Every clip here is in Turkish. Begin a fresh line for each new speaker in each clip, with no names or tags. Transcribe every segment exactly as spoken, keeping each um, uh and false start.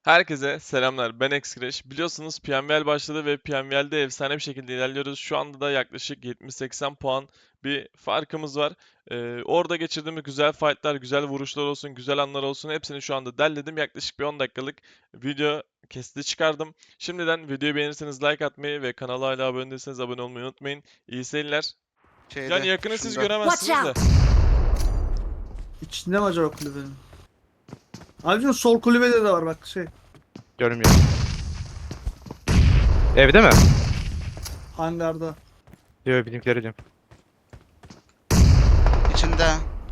Herkese selamlar. Ben Xcrash. Biliyorsunuz P M V L başladı ve P M V L'de efsane bir şekilde ilerliyoruz. Şu anda da yaklaşık yetmiş seksen puan bir farkımız var. Ee, orada geçirdiğimiz güzel fightlar, güzel vuruşlar olsun, güzel anlar olsun hepsini şu anda derledim. Yaklaşık bir on dakikalık video kesiti çıkardım. Şimdiden videoyu beğenirseniz like atmayı ve kanala hala abone değilseniz abone olmayı unutmayın. İyi seyirler.
Şeyde,
Yani yakını siz
şunda.
göremezsiniz de.
İçinde mi acaba kulübenin? Abicim sol kulübede de var bak şey.
Görmüyorum. Evde mi?
Hangarda.
Yok, bizimkileri diyorum.
İçinde.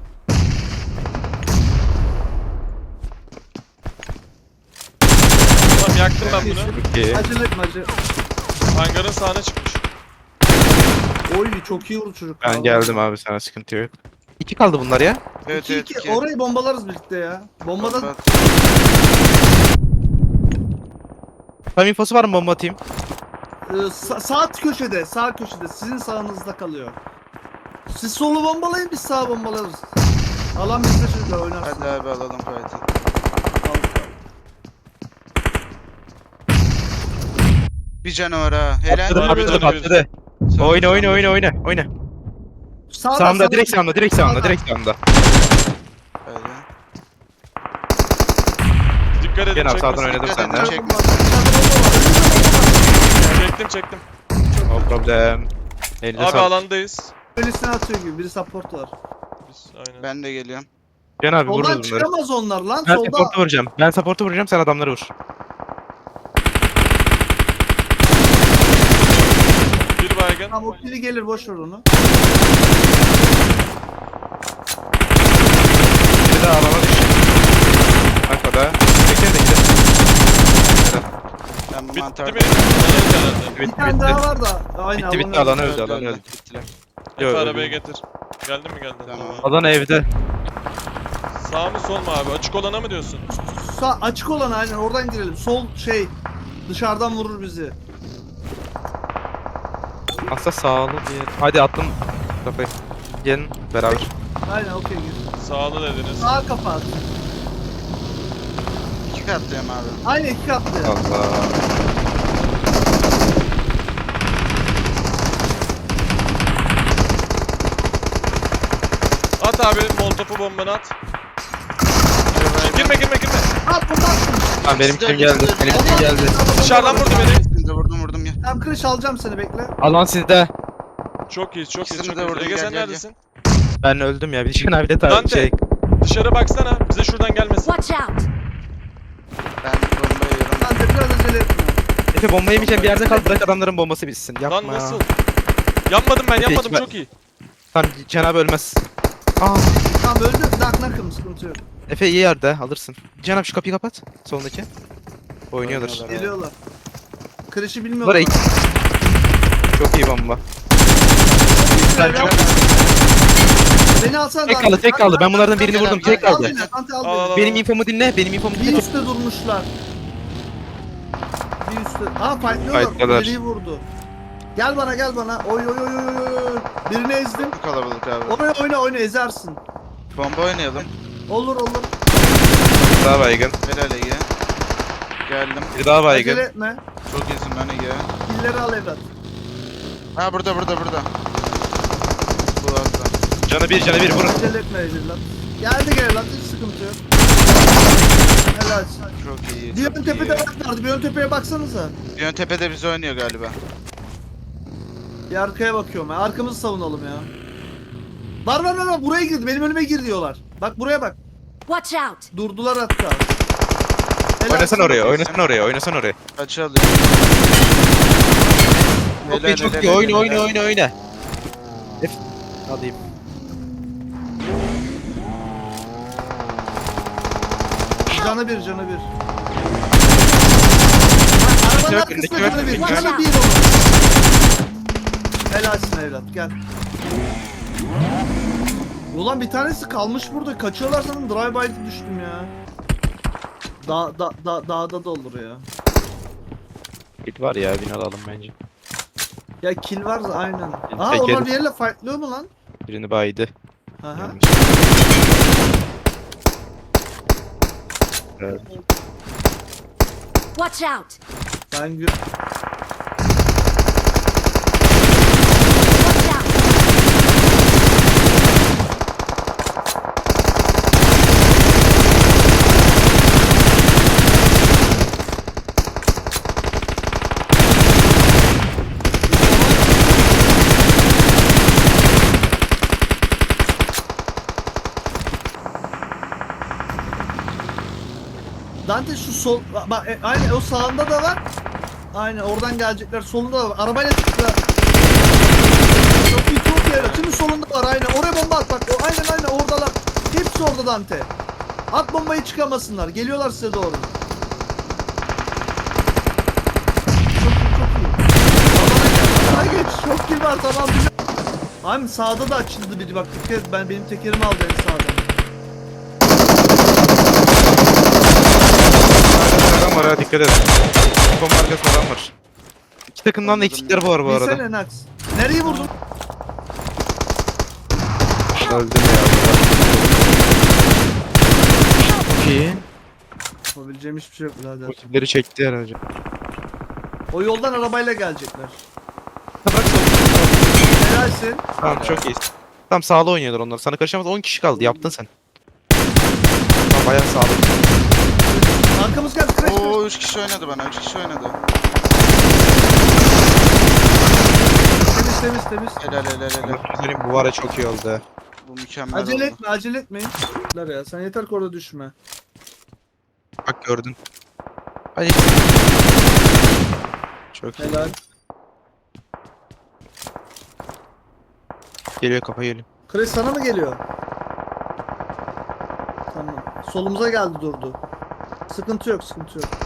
Tamam, yaktım ben bunu.
İki.
Acele etme acele.
Hangarın sağına çıkmış.
Oy çok iyi vurdu çocuk.
Ben geldim abi, sana sıkıntı yok. İki kaldı bunlar ya.
Evet
İki,
evet
iki.
iki.
Orayı bombalarız birlikte ya. Bombadan
Bomba.
Tam infosu var mı, bomba atayım?
e, sa- sağ köşede, sağ köşede sizin sağınızda kalıyor. Siz solu bombalayın biz sağ bombalarız. Alan bizde çocuklar oynarsın.
Hadi abi alalım fight'ı. Bir canavar ha. Helal.
Patladı
Abi,
patladı
tabii.
patladı.
Sonra-
Oyna oyna
sonra-
oyna oyna oyna.
Sağda,
Sağımda,
sağda.
direkt sağımda, direkt sağımda,
Sağda.
direkt sağımda.
Hadi.
Dikkat edin,
Gel abi, sağdan
çekmesin.
oynadım
Dikkat
senden.
edin,
Çek.
çekmesin.
Çektim çektim.
No problem. Elinize
Abi
sağlık.
alandayız.
Öylesine atıyor gibi biri support var.
Biz aynen.
Ben de geliyorum.
Can abi,
Soldan
vururuz bunları.
çıkamaz onlar lan
Ben
solda.
support'u vuracağım. Ben support'u vuracağım, sen adamları vur.
Bir baygın.
Tamam o kili gelir boş ver onu.
Bir de alana düştü. Arkada. Bekle de gidelim.
Ben bu
Bitti
mantar.
mi? Herhalde.
Bir
Bitti
tane
bitti.
daha var da. Aynen.
Bitti bitti, alanı öldü, alanı öldü.
Bittiler.
Efe
Yok,
arabayı
öldü.
getir. Geldin mi geldin?
Tamam.
Tamam.
Alan evde.
Sağ mı sol mu abi? Açık olana mı diyorsun?
Sağ açık olan aynen oradan girelim. Sol şey dışarıdan vurur bizi.
Aslında sağlı bir yer. Hadi attım kafayı. Gelin beraber.
Aynen okey gir.
Sağlı dediniz.
Sağa kapat.
İki katlıyım abi.
Aynen iki katlı. ya.
Allah.
At abi molotofu bombanı at. Girme girme girme.
At bunu attım.
Tamam, benim kim geldi? Benim kim geldi?
Dışarıdan vurdu beni.
İkisini de vurdum vurdum ya.
Tam kırış alacağım seni bekle.
Alan sizde.
Çok iyi çok iyi
İkisini
çok
de
iyi.
vurdum,
Ege
gel,
sen
gel,
neredesin?
Ben öldüm ya. Bir şey abi de tabii
Dante.
şey.
Dışarı baksana. Bize şuradan gelmesin.
Watch out!
Ben bomba yiyorum.
Lan de biraz acele etme.
Efe, bomba yemeyeceğim bir yerde kal. Bırak adamların bombası bitsin. Yapma
Lan
ya.
nasıl? Yanmadım ben
Efe,
yanmadım
hiç-
çok iyi.
Tamam, Cenab ölmez. Aa,
Tamam öldü. Nak nakım sıkıntı yok.
Efe iyi yerde, alırsın. Cenab şu kapıyı kapat. Solundaki. Oynuyorlar.
Oynuyorlar.
Geliyorlar. Kırışı
Var
bilmiyorlar.
iyi. Çok iyi bomba.
Sen
çok-
Beni alsana.
Tek
Dante.
kaldı, tek kaldı. Ben bunlardan birini
Gel
vurdum.
abi,
Tek
gel,
Al
kaldı.
beni. Dante al
Al, al,
beni.
al.
Benim infomu dinle, benim infomu
Bir
dinle.
üstte durmuşlar. Bir üstte. Aa fightlıyorlar.
Fightlıyorlar.
Biri vurdu. Gel bana gel bana. Oy oy oy oy oy, oy. Birini ezdim.
Bu kalabalık abi.
Oyna oyna oyna ezersin.
Bomba oynayalım.
Olur olur.
Bir daha baygın.
Helal Ege. Geldim.
Bir daha
Acele
baygın.
etme.
Çok iyisin lan Ege.
Killeri al evlat.
Ha burada burada burada. Bu hasta.
Canı bir, canı bir vurun.
Acele etme evlat. Geldi gel evlat. Hiç sıkıntı yok. Helal.
Çok iyi.
Bir
çok
ön
iyi.
tepede bak vardı. Bir ön tepeye baksanıza.
Bir ön tepede bizi oynuyor galiba.
Bir arkaya bakıyorum ya. Arkamızı savunalım ya. Var var var var. Buraya girdi. Benim önüme gir diyorlar. Bak buraya bak.
Watch out!
Durdular hatta. Helal
Oynasan
sana.
oraya, oynasan oraya, oynasan oraya.
Kaçı alıyor?
Çok iyi, çok iyi. Oyna, oyna, oyna, oyna. F. Alayım.
Canı bir canı bir.
Yok,
Arabanın
önündeki
arkasında
yok,
canı bir.
önündeki
Canı
yok.
bir olur. Helalsin evlat gel. Ulan bir tanesi kalmış burada. Kaçıyorlar sanırım. Drive by'de düştüm ya. Da, da, da, dağda da olur ya.
Git var ya, bin alalım bence.
Ya kill var da aynen. Aha
Peki.
onlar bir yerle fightlıyor mu lan?
Birini baydı.
Aha.
Gelmiş. Evet.
Watch out!
Ben gö-
Watch out!
Dante şu sol bak e, aynen o sağında da var. Aynen oradan gelecekler. Solunda da var. Arabayla çıktı. Çok iyi çok iyi. Şimdi solunda var aynen. Oraya bomba at bak. O, aynen aynen oradalar. Hepsi orada Dante. At bombayı çıkamasınlar. Geliyorlar size doğru. Çok iyi çok iyi. Alana gel. Alana geç. Çok iyi var tamam. Abi sağda da açıldı biri bak. Dikkat et, ben benim tekerimi aldı en sağdan.
Adam var ha, dikkat edin. Bomba arkasında adam var. İki takımdan da
Anladım.
eksikleri var bu arada.
Bilsene Nax. Nereyi vurdun?
Öldüm ya. Çok iyi.
Yapabileceğim hiçbir şey yok birader.
Rakipleri çekti herhalde.
O yoldan arabayla gelecekler.
Bırak sol.
Helalsin.
Tamam çok iyi. Tamam sağda oynuyorlar onlar. Sana karışamaz. on kişi kaldı. Yaptın sen. Tamam bayağı sağda.
Arkamız geldi. Crash.
Oo üç kişi oynadı bana. üç kişi oynadı.
Temiz temiz temiz.
Helal helal helal.
Senin bu ara çok iyi oldu.
Bu mükemmel
Acele
oldu.
etme acele etmeyin. Lan ya sen yeter ki orada düşme.
Bak gördün. Hadi. Çok iyi.
Helal.
Geliyor kafa geliyor.
Crash sana mı geliyor? Tamam. Solumuza geldi durdu. Sıkıntı yok sıkıntı yok.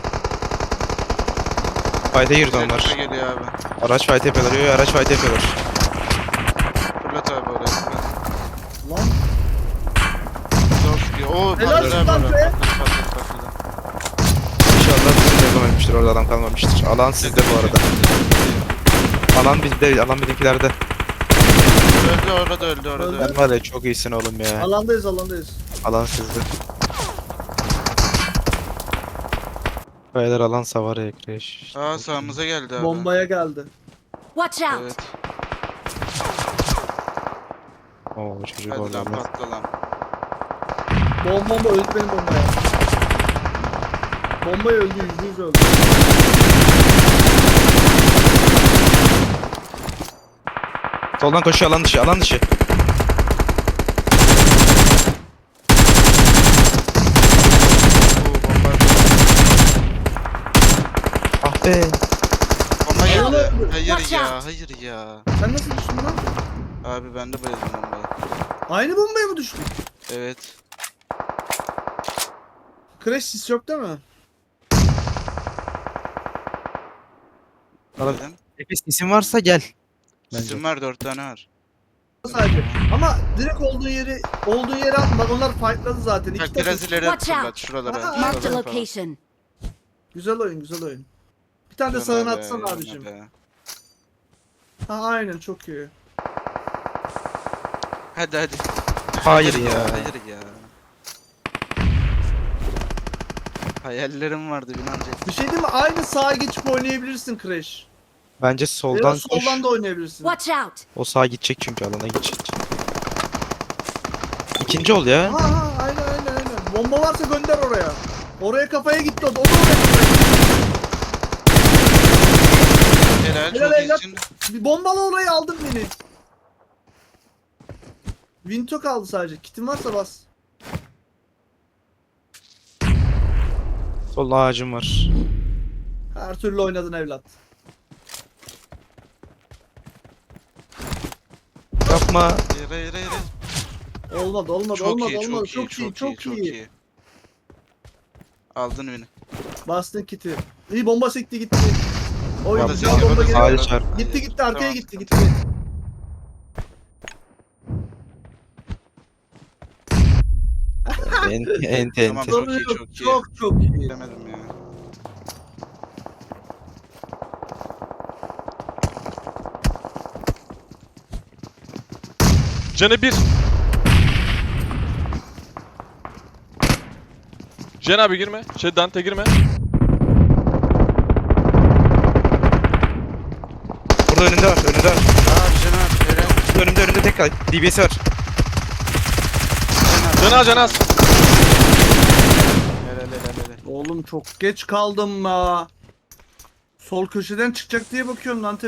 Fight'e girdi
Tekrar
onlar.
geliyor abi.
Araç fight yapıyorlar. Yo, yo, araç fight yapıyorlar.
Fırlat abi oraya. Fırlat.
Lan.
Çok iyi. Oo
Helal
patladı
olsun
abi
lan
oraya.
be.
Patladı patladı patladı.
İnşallah bizim devam etmiştir. Orada adam kalmamıştır. Alan sizde bu arada. Alan bizde. Alan bizimkilerde.
Öldü orada öldü orada.
Öldü.
öldü.
Ben var ya çok iyisin oğlum ya.
Alandayız alandayız.
Alan sizde. Beyler alan savar ya Crash.
Aa sağımıza geldi abi.
Bombaya geldi.
Watch out!
Evet.
Oo çocuk
Hadi
orada.
lan patla lan.
Bomba bomba öldü benim bombaya. Bombaya öldü yüzde yüz öldü.
Soldan koşuyor alan dışı. Alan dışı.
Oo bomba.
Ah be.
Bomba geldi.
Oğlum.
Hayır
Watch
ya
out.
hayır ya.
Sen nasıl düştün lan?
Abi ben de bayıldım bombaya.
Aynı bombaya mı düştün?
Evet.
Crash sis yok değil mi?
Valla-
Dedim.
Nefes isim varsa gel.
Sizin var dört tane var.
Sadece. Ama direkt olduğu yeri olduğu yere atma. Bak onlar fightladı zaten. İki
Bak
takım.
biraz ileri
Watch
fırlat
out.
şuralara.
Aa,
Marked a
şuralara falan.
location.
Güzel oyun güzel oyun. Bir tane de
Yana
sağına
be,
atsana
yana
abicim.
be.
Ha aynen çok iyi.
Hadi hadi.
Hayır ya.
Hayır ya. Hayallerim vardı binancak.
Bir şey değil mi? Aynı sağa geçip oynayabilirsin Crash.
Bence
Ya
soldan
da
koş.
soldan da oynayabilirsin.
Watch out!
O sağa gidecek çünkü alana gidecek. İkinci ol ya.
Ha ha aynen aynen aynen. Bomba varsa gönder oraya. Oraya kafaya gitti o da. O da oraya kafaya gitti.
Helal
Helal,
çok
helal.
iyisin.
Bir bombalı orayı aldım beni. Vinto kaldı sadece. Kitin varsa bas.
Solda ağacım var.
Her türlü oynadın evlat.
Yapma.
Hayır hayır hayır. hayır.
Olmadı olmadı
Çok
olmadı
iyi,
olmadı.
çok iyi,
Çok iyi çok iyi.
Aldın beni.
Bastın kiti. İyi bomba sekti gitti. Oy
Yapma.
güzel bomba geliyor.
Hayır, çarp.
Gitti gitti arkaya
Tamam,
gitti
sıkıntı
gitti.
yok.
Enti enti
Tamam.
enti.
Çok iyi,
Çok
çok iyi.
çok çok iyi.
Bilemedim ya.
Canı bir. Cen abi girme. Şey Dante girme.
Burada önünde var, önünde var.
Aa Caner. Helal.
Burada önümde önünde tek kal. D B S var.
Caner.
Canaz canaz.
Helal helal helal.
Oğlum çok geç kaldım la. Sol köşeden çıkacak diye bakıyorum lan.